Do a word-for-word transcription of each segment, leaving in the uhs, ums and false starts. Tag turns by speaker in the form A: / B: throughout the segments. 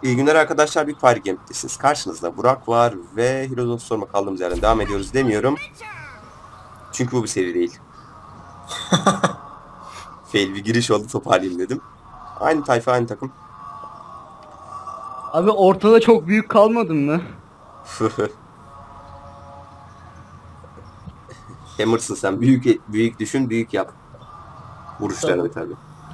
A: İyi günler arkadaşlar, Big Fire Game'desiniz. Karşınızda Burak var ve Heroes of Storm'a kaldığımız yerden devam ediyoruz demiyorum. Çünkü bu bir seri değil. Fail bir giriş oldu, toparlayayım dedim. Aynı tayfa, aynı takım.
B: Abi ortada çok büyük kalmadın mı?
A: Hammer'sın sen. Büyük büyük düşün, büyük yap. Vuruşlarını tabii.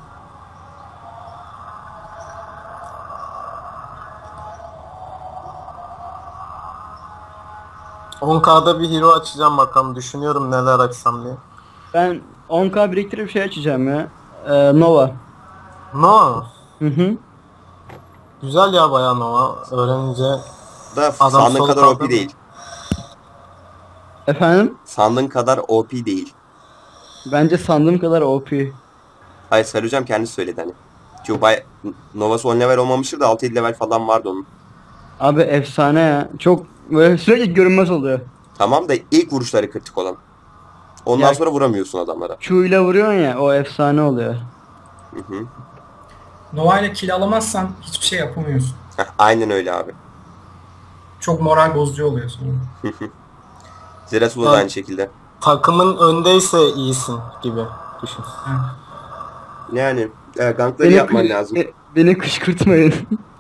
C: on K'da bir hero açacağım bakalım. Düşünüyorum neler açsam diye.
B: Ben on K biriktirip şey açacağım ya. Ee, Nova.
C: No.
B: Hı hı.
C: Güzel ya bayağı Nova. Öğrenince
A: Da
C: Adam
A: sandığın
C: sol
A: kadar
C: kaldı
A: O P
C: mı?
A: değil.
B: Efendim?
A: Sandığın kadar O P değil.
B: Bence sandığım kadar O P.
A: Hayır, Sarı Hocam kendisi söyledi hani. Çünkü bay Nova'sı on level olmamıştır da altı yedi level falan vardı onun.
B: Abi efsane ya. Çok böyle sürekli görünmez oluyor.
A: Tamam da ilk vuruşları kritik olan. Ondan
B: Ya-
A: sonra vuramıyorsun adamlara.
B: Q ile vuruyorsun ya, o efsane oluyor.
A: Hı hı.
D: Nova ile kill alamazsan hiçbir şey yapamıyorsun.
A: Heh, aynen öyle abi.
D: Çok moral bozucu oluyor sonra.
A: Zeratul da
C: Evet.
A: aynı şekilde.
C: takımın öndeyse iyisin gibi düşün.
A: Yani e, gankları yapman lazım.
B: e, beni kışkırtmayın.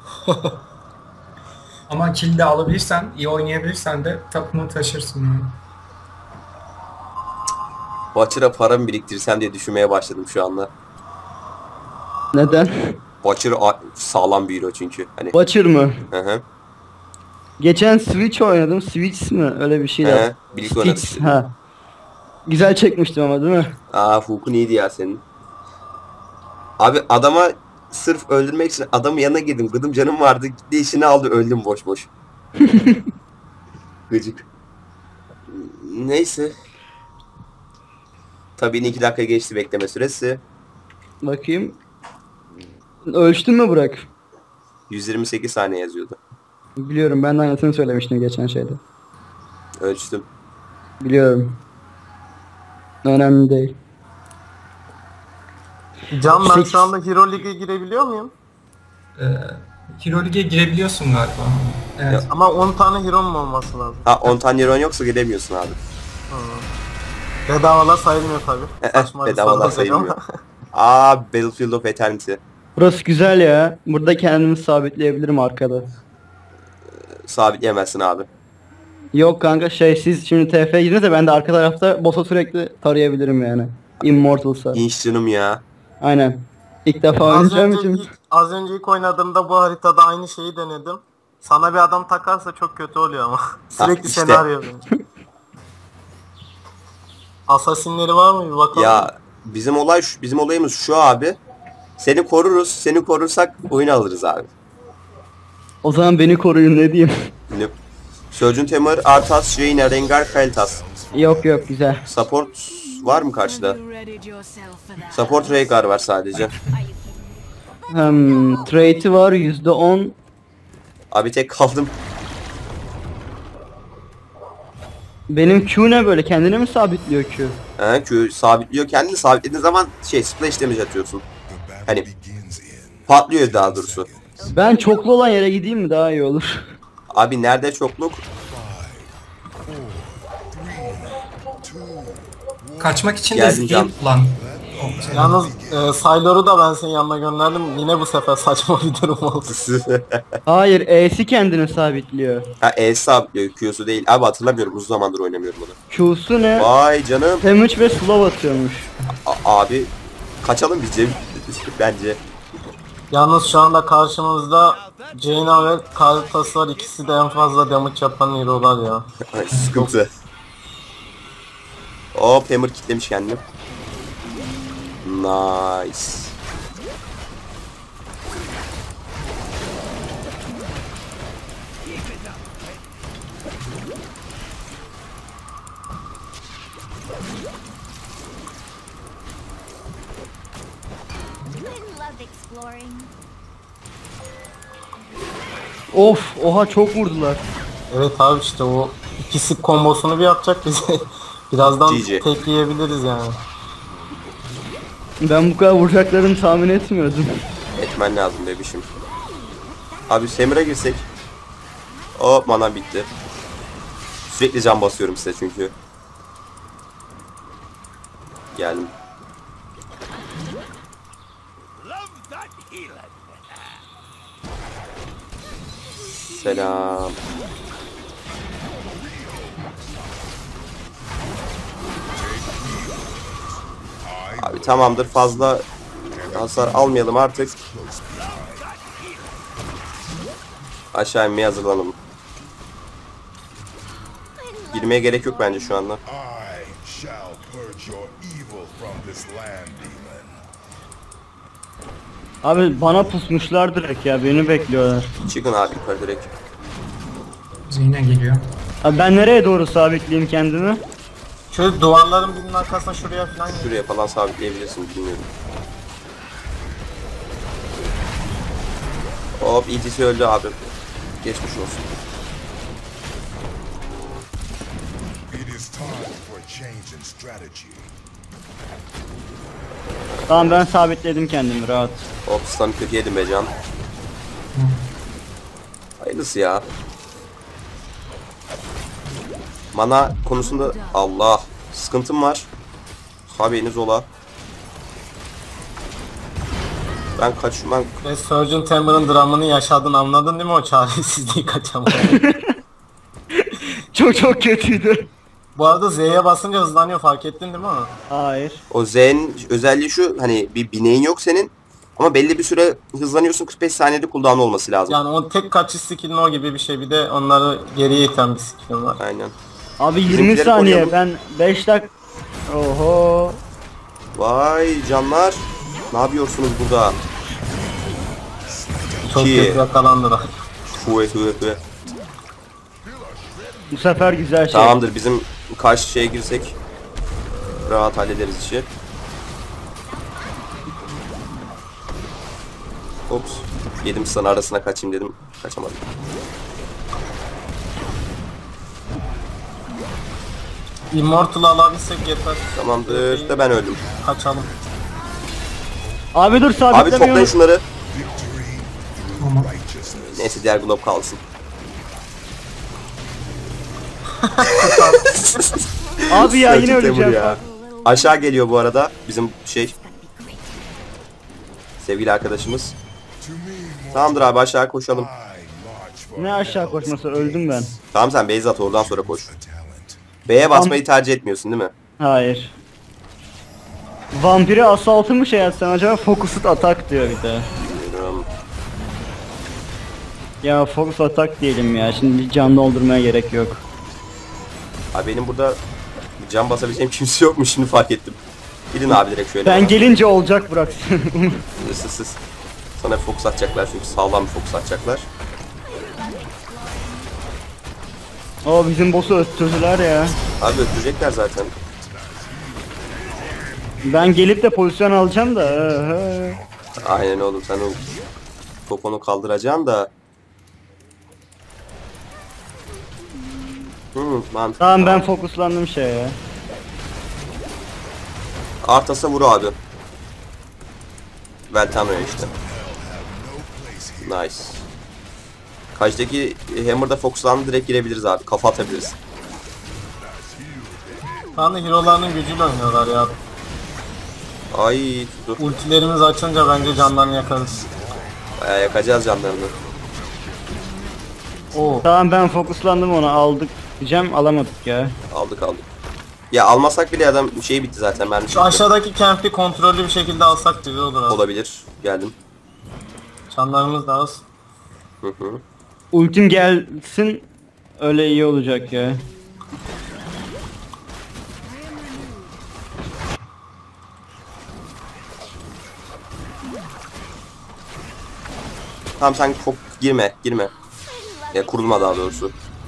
D: Ama kill de alabilirsen, iyi oynayabilirsen de takımı taşırsın. Yani.
A: Butcher'a para mı biriktirsem diye düşünmeye başladım şu anda.
B: Neden?
A: Butcher a- sağlam bir hero çünkü. Hani.
B: Butcher mı?
A: Hı hı.
B: Geçen Switch oynadım. Switch mi? Öyle bir şey
A: He,
B: de.
A: birlikte oynadık.
B: Sticks, ha. Güzel çekmiştim ama değil mi?
A: Aa, Hulk'un iyiydi ya senin. Abi adama sırf öldürmek için adamın yanına girdim. Gıdım canım vardı. Gitti işini aldı. Öldüm boş boş. Gıcık. Neyse. Tabii iki dakika geçti bekleme süresi.
B: Bakayım. Ölçtün mü Burak?
A: yüz yirmi sekiz saniye yazıyordu.
B: Biliyorum, ben de aynısını söylemiştim geçen şeyde.
A: Ölçtüm.
B: Biliyorum. Önemli değil.
C: Can ben
B: Sekiz.
C: şu anda Hero League'e girebiliyor muyum?
D: Ee, Hero League'e girebiliyorsun galiba. Evet.
C: Ama on tane hero'm olması lazım.
A: Ha, on tane euron yoksa gidemiyorsun abi.
C: Bedavalar sayılmıyor tabi.
A: Bedavalar sayılmıyor. Aa, Battlefield of Eternity.
B: Burası güzel ya. Burada kendimi sabitleyebilirim arkada.
A: Sabitleyemezsin abi.
B: Yok kanka, şey, siz şimdi T F'ye girdiniz de ben de arka tarafta boss'a sürekli tarayabilirim yani. Immortal'sa.
A: İnş canım ya.
B: Aynen. İlk defa
C: Az
B: oynayacağım
C: önce,
B: için.
C: ilk, az önce ilk oynadığımda bu haritada aynı şeyi denedim. Sana bir adam takarsa çok kötü oluyor ama. Sürekli
A: işte.
C: seni arıyor beni. Asasinleri var mı bir bakalım.
A: Ya bizim olay şu, bizim olayımız şu abi. Seni koruruz. Seni korursak oyunu alırız abi.
B: O zaman beni koruyun, ne diyeyim.
A: Ne? Surgeon Tamer, Arthas, Jaina, Rengar, Kalitas.
B: Yok yok, güzel.
A: Support var mı karşıda? Support Rengar var sadece.
B: Hmm, trade'i var yüzde on.
A: Abi tek kaldım.
B: Benim Q ne böyle, kendine mi sabitliyor Q?
A: He, Q sabitliyor. Kendini sabitlediğin zaman şey splash damage atıyorsun. Hani patlıyor daha doğrusu.
B: Ben çoklu olan yere gideyim mi, daha iyi olur.
A: Abi nerede çokluk?
D: Kaçmak için de
A: Geldim
D: skill
A: Can.
D: kullan.
C: Yalnız e, Sailor'u da ben senin yanına gönderdim. Yine bu sefer saçma bir durum oldu.
B: Hayır, E'si kendini sabitliyor.
A: Ha, E sabitliyor, Q'su değil. Abi hatırlamıyorum, uzun zamandır oynamıyorum bunu.
B: Q'su ne?
A: Vay canım.
B: Damage ve slow atıyormuş.
A: A- abi kaçalım biz Cem. Bence.
C: Yalnız şu anda karşımızda Jaina ve Kalitas var. İkisi de en fazla damage yapan hero'lar ya.
A: Ay, sıkıntı. Hop, Hammer kitlemiş kendini. Nice.
B: Of, oha, çok vurdular.
C: Evet abi, işte o ikisi kombosunu bir yapacak bize. Birazdan
A: G G.
C: tek yiyebiliriz yani.
B: Ben bu kadar vuracaklarını tahmin etmiyordum.
A: Etmen lazım bebişim. Abi Semir'e girsek. Hop mana bitti. Sürekli can basıyorum size çünkü. Geldim. Selam. Abi tamamdır, fazla hasar almayalım artık. Aşağı inmeye hazırlanalım. Girmeye gerek yok bence şu anda.
E: I shall purge your evil from this land, demon.
B: Abi bana pusmuşlar direkt ya, beni bekliyorlar.
A: Çıkın abi yukarı direkt.
D: Zeyna geliyor.
B: Abi ben nereye doğru sabitleyeyim kendimi?
C: Şöyle duvarların birinin arkasına şuraya falan gir.
A: Şuraya falan sabitleyebilirsin, bilmiyorum. Hop, E T C öldü abi. Geçmiş olsun.
E: It is time for a change in strategy.
B: Tamam ben sabitledim kendimi, rahat.
A: Hop, stun'ı kötü yedim be can. Hayırlısı ya. Mana konusunda Allah sıkıntım var. Haberiniz ola. Ben kaçmam.
C: Ve Surgeon Timber'ın dramını yaşadın, anladın değil mi o çaresizliği kaçamadın?
B: Çok çok kötüydü.
C: Bu arada Z'ye basınca hızlanıyor, fark ettin değil mi onu?
B: Hayır.
A: O Z'nin özelliği şu, hani bir bineğin yok senin. Ama belli bir süre hızlanıyorsun, kırk beş saniyede cooldown olması lazım.
C: Yani o tek kaçış skill'in o gibi bir şey, bir de onları geriye iten bir skill'in var.
A: Aynen.
B: Abi yirmi
A: Bizimkileri
B: saniye,
A: koruyalım.
B: ben beş dak... Oho.
A: Vay canlar. Ne yapıyorsunuz burada?
C: Çok
A: İki.
C: kötü yakalandılar.
A: Hüve hüve hüve.
B: Bu sefer güzel şey.
A: Tamamdır, bizim karşı şeye girsek rahat hallederiz işi. Ops. Yedim, sana arasına kaçayım dedim. Kaçamadım.
C: Immortal alabilsek yeter.
A: Tamamdır da ben öldüm.
C: Kaçalım.
B: Abi dur,
A: Abi toplayın
B: sabitlemiyorum.
A: şunları.
D: Tamam.
A: Neyse diğer glob kalsın.
B: Abi ya yine
A: Selçuk Temur
B: öleceğim.
A: ya. Aşağı geliyor bu arada bizim şey. Sevgili arkadaşımız. Tamamdır abi, aşağı koşalım.
E: I march for
B: Ne aşağı koşması, öldüm ben.
A: Tamam, sen base at, oradan sonra koş.
E: a talent.
A: B'ye basmayı tercih etmiyorsun değil mi?
B: Hayır. Vampiri asaltı mı şey yapsan acaba, focused attack diyor bir de.
A: Bilmiyorum.
B: Ya focus attack diyelim ya, şimdi can doldurmaya gerek yok.
A: Abi benim burada can basabileceğim kimse yokmuş, şimdi fark ettim. Gidin abi direkt şöyle.
B: Ben gelince olacak, bırak.
A: Siz siz. Sana fokus atacaklar çünkü sağlam bir fokus atacaklar.
B: O bizim boss'u öttürdüler ya.
A: Abi öldürecekler zaten.
B: Ben gelip de pozisyon alacağım da. hı.
A: Aynen oğlum, sen o poponu kaldıracaksın da. Hmm, mantıklı.
B: Tamam ben fokuslandım şeye.
A: Artas'a vur abi. Veltano'ya işte. Nice. Kaçtaki Hammer'da fokuslandı, direkt girebiliriz abi. Kafa atabiliriz.
C: Şu anda hero'larının gücüyle oynuyorlar ya.
A: Ay tuttu.
C: Ultilerimiz açınca bence canlarını yakarız.
A: Bayağı yakacağız canlarını.
C: Oo.
B: Tamam ben fokuslandım, onu aldık diyeceğim, alamadık ya.
A: Aldık aldık. Ya almasak bile adam şey bitti zaten, ben
C: Şu aşağıdaki camp'i kontrollü bir şekilde alsak güzel olur abi.
A: olabilir. Geldim.
C: Canlarımız da az.
A: Hı hı.
B: Ultim gelsin, öyle iyi olacak ya.
A: Tamam sen çok girme, girme. Ya kurulma daha doğrusu.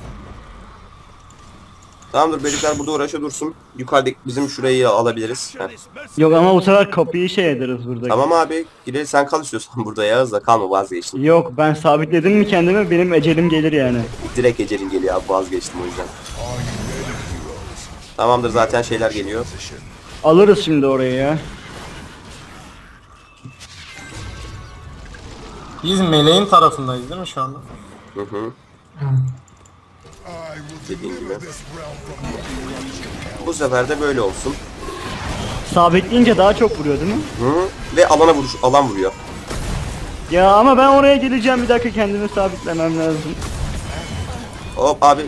A: Tamamdır, böcekler burada uğraşa dursun. Yukarıdaki bizim şurayı alabiliriz. Heh.
B: Yok ama bu sefer kapıyı şey ederiz burada.
A: Tamam abi, gidelim, sen kal istiyorsan burada ya, da kalma, vazgeçtim.
B: Yok ben sabitledim mi kendimi, benim ecelim gelir yani.
A: Direkt ecelin geliyor abi, vazgeçtim o yüzden. Tamamdır, zaten şeyler geliyor.
B: Alırız şimdi orayı ya.
C: Biz meleğin tarafındayız değil mi şu anda?
A: Hı hı.
D: Hı.
E: I will
A: Dediğin gibi.
E: deliver this realm from your
A: Bu sefer de böyle olsun.
B: Sabitleyince daha çok vuruyor değil mi?
A: Hı. Ve alana vuruş, alan vuruyor.
B: Ya ama ben oraya geleceğim, bir dakika kendimi sabitlemem lazım.
A: Hop abi.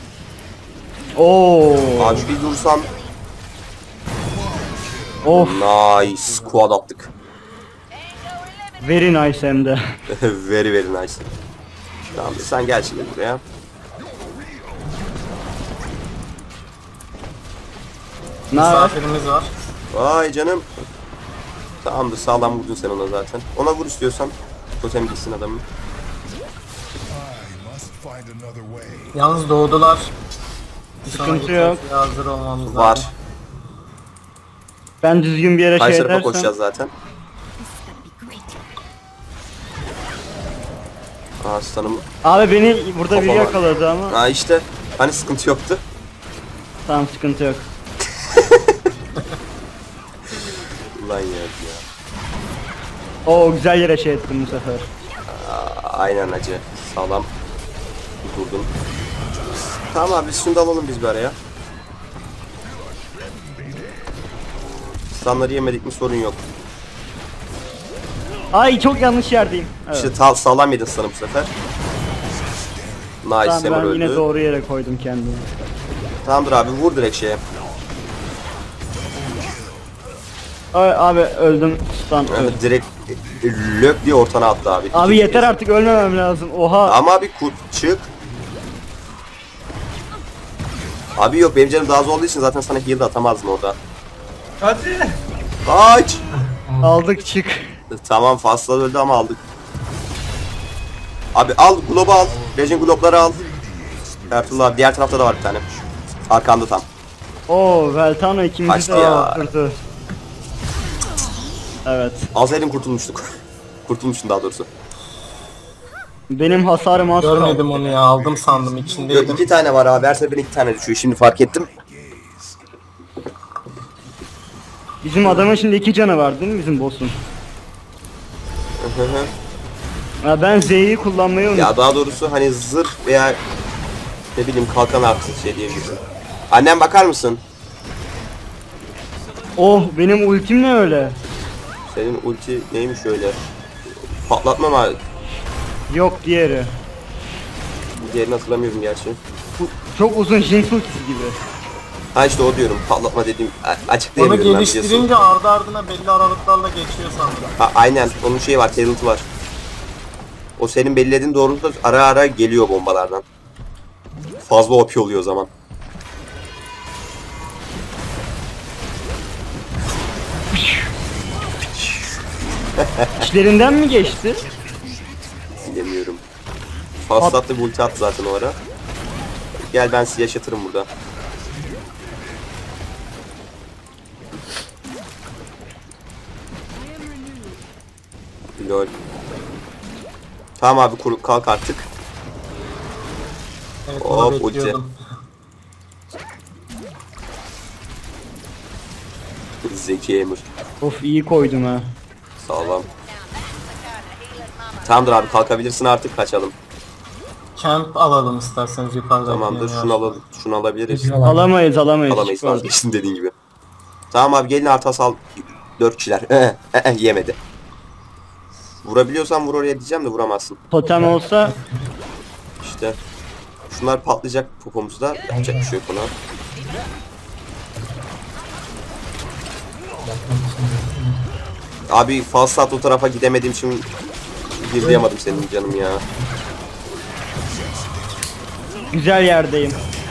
B: Oo.
A: Abi bir dursan.
B: Of,
A: Nice. Squad attık.
B: very nice hem de.
A: Very very nice. Tamam sen gel şimdi buraya.
B: Ne haber?
C: Misafirimiz var.
A: Vay canım. Tamamdır, sağlam vurdun sen ona zaten. Ona vur istiyorsan. Totem gitsin adamın.
E: I must find another way.
C: Yalnız doğdular. Bir
B: Sıkıntı
C: sonraki
B: yok.
C: tepkiye hazır olmamız lazım.
A: Var.
B: Ben düzgün bir yere
A: Karşı
B: şey
A: tarafa
B: edersem.
A: koşacağız zaten. Aa sanırım.
B: Abi beni burada biri
A: Kafama.
B: yakaladı ama.
A: Aa işte. Hani sıkıntı yoktu.
B: Tamam, sıkıntı yok.
A: Ulan ya. ya.
B: Oo, güzel yere şey ettim bu sefer.
A: Aa, aynen acı. Sağlam. Durdun. Tamam abi şunu da alalım biz bir araya. Stunları yemedik mi sorun yok.
B: Ay, çok yanlış yerdeyim. Evet.
A: İşte ta- sağlam yedin sana bu sefer. Nice,
B: Tamam,
A: Semur
B: ben
A: öldü.
B: yine doğru yere koydum kendimi.
A: Tamamdır abi, vur direkt şeye.
B: Ay, abi öldüm. Stun
A: Yani
B: öldüm.
A: direkt e, lök diye ortana attı abi.
B: Abi
A: İkinci
B: yeter
A: kez.
B: artık, ölmemem lazım. Oha.
A: Ama abi kurt çık. Abi yok, benim canım daha az olduğu için zaten sana heal de atamazdım orada.
D: Hadi.
A: Kaç.
B: Aldık, çık.
A: Tamam, fazla öldü ama aldık. Abi al globu al. Legend globları al. Ertuğrul abi diğer tarafta da var bir tane. Arkanda tam.
B: Oo, Veltano ikimizi
A: Kaçtı
B: de
A: ya.
B: öldürdü. Evet.
A: Alsaydın kurtulmuştuk. Kurtulmuştun daha doğrusu.
B: Benim hasarım az
C: Görmedim
B: kaldı.
C: onu ya, aldım sandım
A: Yok,
C: içindeydim.
A: iki tane var abi. Her seferinde iki tane düşüyor. Şimdi fark ettim.
B: Bizim adamın şimdi iki canı var değil mi, bizim boss'un? Ya ben Z'yi kullanmayı unuttum.
A: Ya daha doğrusu hani zırh veya ne bileyim kalkan artık şey diyebilirsin. Annem bakar mısın?
B: Oh, benim ultim ne öyle?
A: Senin ulti neymiş öyle? Patlatma mı?
B: Yok, diğeri.
A: Diğerini hatırlamıyorum gerçi.
B: Bu çok uzun Jinx ultisi gibi.
A: Ha işte o diyorum, patlatma dediğim a-
C: Onu
A: açıklayamıyorum ben biliyorsun.
C: geliştirince ardı ardına belli aralıklarla geçiyor sandım.
A: Ha, aynen onun şeyi var, talent'ı var. O senin belirlediğin doğrultuda ara ara geliyor bombalardan. Fazla O P oluyor o zaman.
B: İçlerinden mi geçti?
A: Bilemiyorum. Fazla attı, bir ulti attı zaten o ara. Gel ben sizi yaşatırım burada. Lol. Tamam abi, kur kalk artık.
C: Evet,
A: Hop,
C: onu
A: ulti.
C: bekliyordum.
A: Zeki Emir.
B: Of, iyi koydum ha.
A: Sağlam. Tamamdır abi, kalkabilirsin artık, kaçalım.
C: Camp alalım isterseniz yukarıda.
A: Tamamdır, şunu alalım, şunu alabiliriz.
B: Alamayız, alamayız.
A: Alamayız,
B: Çık oradan.
A: vazgeçtin dediğin gibi. Tamam abi, gelin artı sal. Dört kişiler. Eh, eh, eh, yemedi. Vurabiliyorsan vur oraya diyeceğim de vuramazsın.
B: Totem olsa
A: İşte. Şunlar patlayacak popomuzda. Yapacak bir şey yok ona. Abi falsat o tarafa gidemediğim için girdiyemedim senin canım ya.
B: güzel yerdeyim.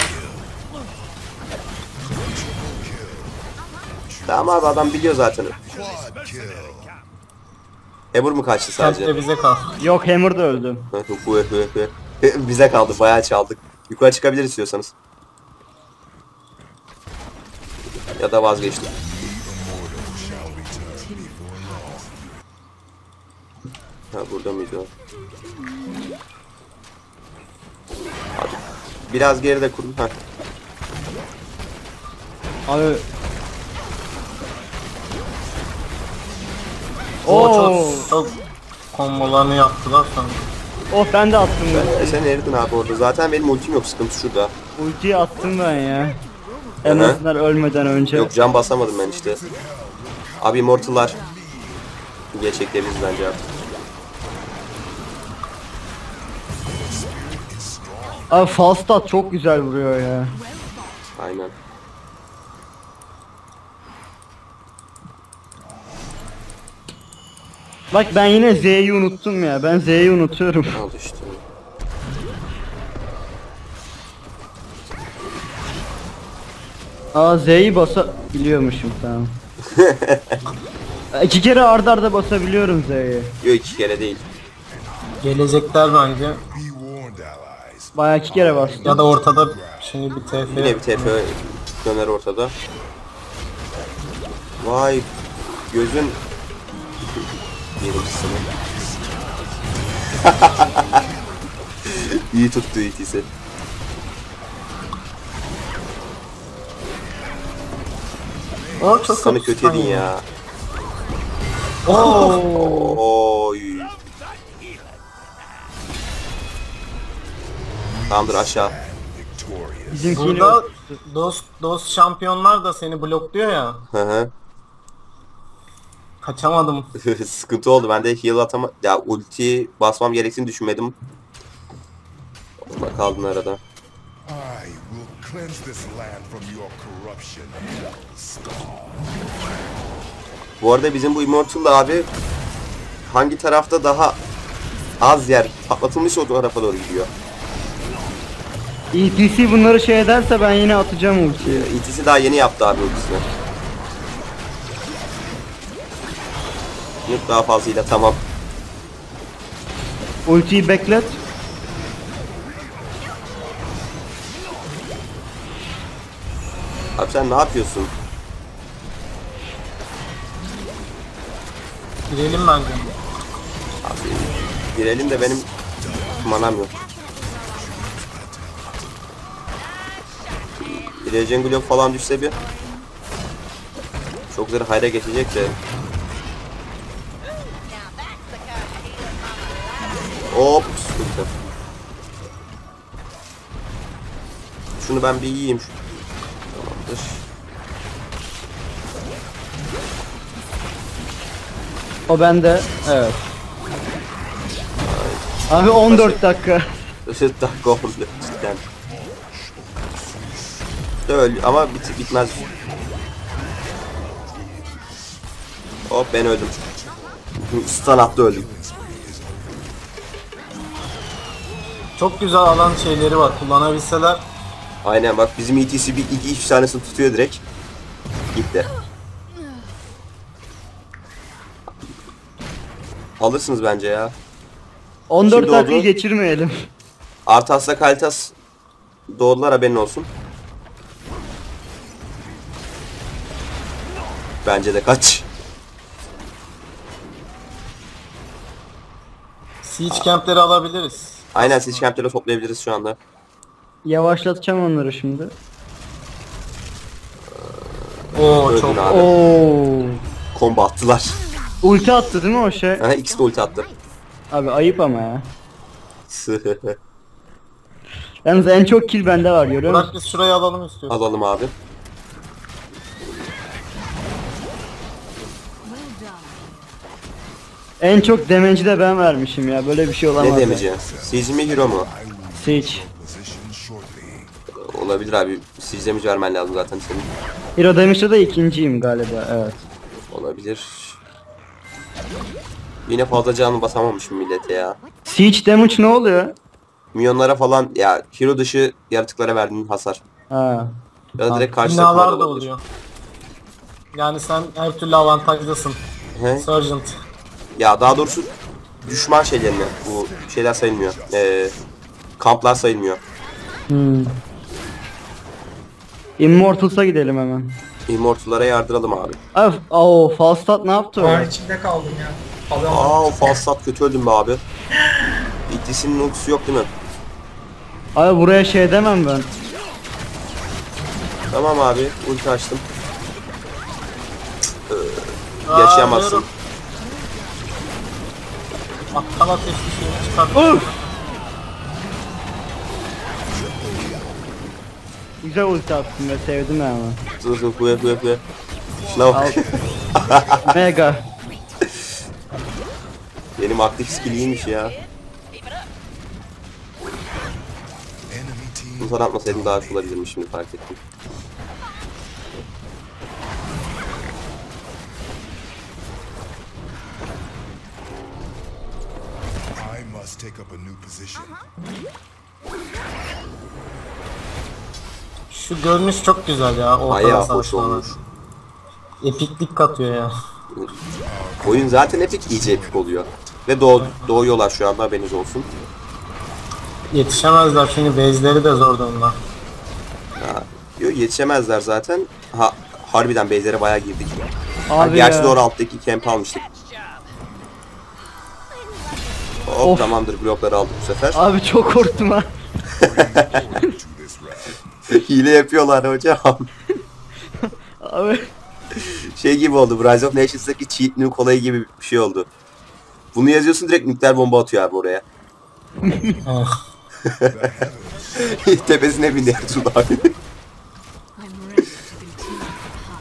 A: Tamam abi, adam biliyor zaten.
E: Quad kill.
A: Ebur mu kaçtı
C: Camp
A: sadece?
C: de bize kal.
B: Yok, Hammer da öldü.
A: Bize kaldı, bayağı çaldık. Yukarı çıkabilir istiyorsanız. Ya da vazgeçtim. Ha, burada mıydı o? Hadi. Biraz geride kurdum. Ha.
B: Abi.
C: O
B: Oo.
C: çok, çok kombolarını yaptılar sonra.
B: Oh ben de attım ben.
A: E sen eridin abi orada. Zaten benim ultim yok, sıkıntı şurada.
B: Ultiyi attım ben ya. En
A: Hı hı.
B: azından ölmeden önce.
A: Yok, can basamadım ben işte. Abi Immortal'lar gerçeklerimiz bence artık.
B: Abi Falstad çok güzel vuruyor ya.
A: Aynen.
B: Bak ben yine Z'yi unuttum ya. Ben Z'yi unutuyorum.
A: Al işte.
B: Aa Z'yi basabiliyormuşum tamam. İki kere arda arda basabiliyorum Z'yi.
A: Yok, iki kere değil.
C: Gelecekler bence.
E: Be warned, allies.
B: Bayağı iki kere bastım.
C: Ya da ortada şimdi bir T F.
A: Yine bir T F döner ortada. Vay gözün yerimcisini. İyi tuttu itisi.
C: O çok
A: Sana
C: kötü
A: kötü edin ya.
C: Oo.
A: Oy. Tamamdır, aşağı.
E: Victorious.
B: Bizimkini
C: Burada dost dost şampiyonlar da seni blokluyor ya.
A: Hı hı.
C: Kaçamadım.
A: Sıkıntı oldu. Ben de heal atama ya ulti basmam gerektiğini düşünmedim. Orada kaldın arada.
E: I will cleanse this land from your corruption. Scar.
A: Bu arada bizim bu Immortal abi hangi tarafta daha az yer patlatılmış o tarafa doğru gidiyor.
B: E T C bunları şey ederse ben yine atacağım ultiyi.
A: İtisi daha yeni yaptı abi ultisini. Yok daha fazlayla tamam.
B: Ultiyi beklet.
A: Abi sen ne yapıyorsun?
C: Girelim bence.
A: Abi girelim de benim manam yok. Bir Regen Globe falan düşse bir çok güzel hayra geçecek de. Hop sıkıntı. Şunu ben bir yiyeyim. Tamamdır.
B: O bende. Evet. Abi on dört dakika.
A: Işık dakika oldu cidden. Öl ama bit bitmez. Hop ben öldüm. Stun attı öldüm.
C: Çok güzel alan şeyleri var. Kullanabilseler.
A: Aynen bak bizim E T C bir iki üç tanesini tutuyor direkt. Gitti. Alırsınız bence ya.
B: on dört
A: Şimdi
B: dakikayı
A: oldu.
B: geçirmeyelim.
A: Artas'la Kalitas doğdular, haberin olsun. Bence de kaç.
C: Siege campleri alabiliriz.
A: Aynen siege campleri toplayabiliriz şu anda.
B: Yavaşlatacağım onları şimdi.
C: Oo
A: Öldün
C: çok.
A: abi.
B: Oo.
A: Combo attılar.
B: Ulti attı değil mi o şey?
A: Aha, ikisi de ulti attı.
B: Abi ayıp ama ya. Yalnız en çok kill bende var görüyor
C: Bırak
B: musun?
C: biz şurayı alalım istiyoruz.
A: Alalım abi.
B: En çok damage'i de ben vermişim ya. Böyle bir şey olamaz.
A: Ne
B: ya.
A: demeyeceğim? Siege mi hero mu?
B: Siege.
E: Position shortly.
A: Olabilir abi. Siege damage vermen lazım zaten senin.
B: Hero damage'de de ikinciyim galiba. Evet.
A: Olabilir. Yine fazla canı basamamışım millete ya.
B: Siege damage ne oluyor?
A: Milyonlara falan ya hero dışı yaratıklara verdiğin hasar.
B: Ha.
A: Ya da direkt karşı takıma
C: Binalar
A: da
C: da
A: olabilir.
C: oluyor. Yani sen her türlü avantajlısın.
A: He?
C: Sergeant.
A: Ya daha doğrusu düşman şeylerine bu şeyler sayılmıyor. Ee, kamplar sayılmıyor.
B: Hmm. Immortals'a gidelim hemen.
A: Immortal'lara yardıralım abi.
B: Abi, o Falstad ne yaptı
D: Duvar
B: o?
D: içinde kaldım ya. Adam
A: Aa o Falstad kötü öldüm be abi. İkisinin ultisi yok değil mi?
B: Abi buraya şey demem ben.
A: Tamam abi ulti açtım. Ee, yaşayamazsın.
C: Aa, Aptal ateşli şeyi çıkarttı.
B: Uf! Güzel ulti attın ve sevdim ben ama.
A: Dur dur kuya kuya kuya. Şuna bak.
B: Mega.
A: Benim aktif skill iyiymiş ya.
E: Enemy team
A: Bu atmasaydım daha iyi olabilirmiş, şimdi fark ettim.
E: I must take up a new position.
C: Şu görünüş çok güzel ya. Ortada
A: Bayağı hoş
C: savaşmalar.
A: olmuş.
C: Epiklik katıyor ya.
A: Oyun zaten epik, iyice epik oluyor. Ve doğ doğuyorlar şu anda, haberiniz olsun.
C: Yetişemezler çünkü base'leri de zor durumda.
A: Ha, yok yetişemezler zaten. Ha, harbiden base'lere bayağı girdik. Ha,
B: Abi
A: gerçi
B: ya.
A: doğru alttaki camp almıştık. Hop
B: Of.
A: tamamdır, blokları aldık bu sefer.
B: Abi çok korktum ha.
E: To this round.
A: Hile yapıyorlar hocam.
B: Abi.
A: Şey gibi oldu, bu Rise of Nations'daki cheat nuke olayı gibi bir şey oldu. Bunu yazıyorsun, direkt nükleer bomba atıyor abi oraya.
C: Evet.
A: Tepesine bindi Ertuğrul abi.
F: I'm ready to be too hot.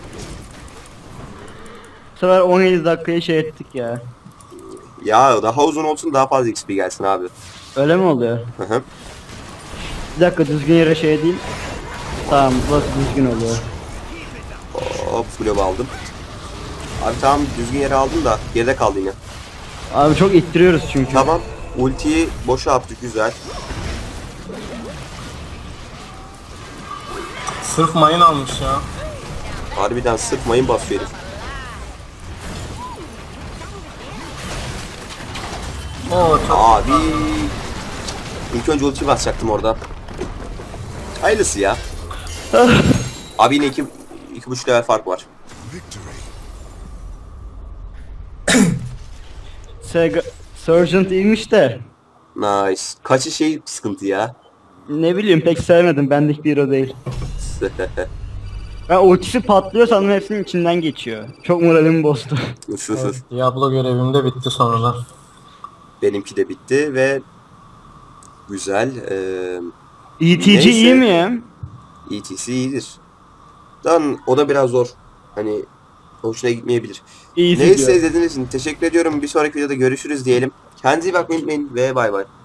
B: Bu sefer on yedi dakikayı şey ettik ya.
A: Ya daha uzun olsun, daha fazla X P gelsin abi.
B: Öyle mi oluyor?
A: Hı hı.
B: Bir dakika, düzgün yere şey değil. Tamam, burası düzgün oluyor.
A: Hop globe aldım. Abi tamam, düzgün yere aldım da geride kaldı yine.
B: Abi çok ittiriyoruz çünkü.
A: Tamam, ultiyi boşa attık, güzel.
C: Sırf mayın almış ya.
A: Harbiden sırf mayın basıyor herif.
C: Oo çok
A: Abi ilk önce ulti basacaktım orada. Hayırlısı ya. Abi yine iki, iki buçuk level fark var.
E: Victory.
B: Sega Sergeant iyiymiş de.
A: Nice. Kaçı şey sıkıntı ya.
B: Ne bileyim, pek sevmedim. Bendik bir hero değil. Ben ultisi patlıyor sanırım, hepsinin içinden geçiyor. Çok moralimi bozdu.
C: evet, Diablo görevim de bitti sonradan.
A: Benimki de bitti ve güzel. Ee,
B: E T G
A: Neyse.
B: iyi mi ya?
A: E T C iyidir. Lan o da biraz zor. Hani hoşuna gitmeyebilir.
B: İyi
A: Neyse,
B: gidiyor.
A: izlediğiniz için teşekkür ediyorum. Bir sonraki videoda görüşürüz diyelim. Kendinize iyi bakmayı unutmayın ve bay bay.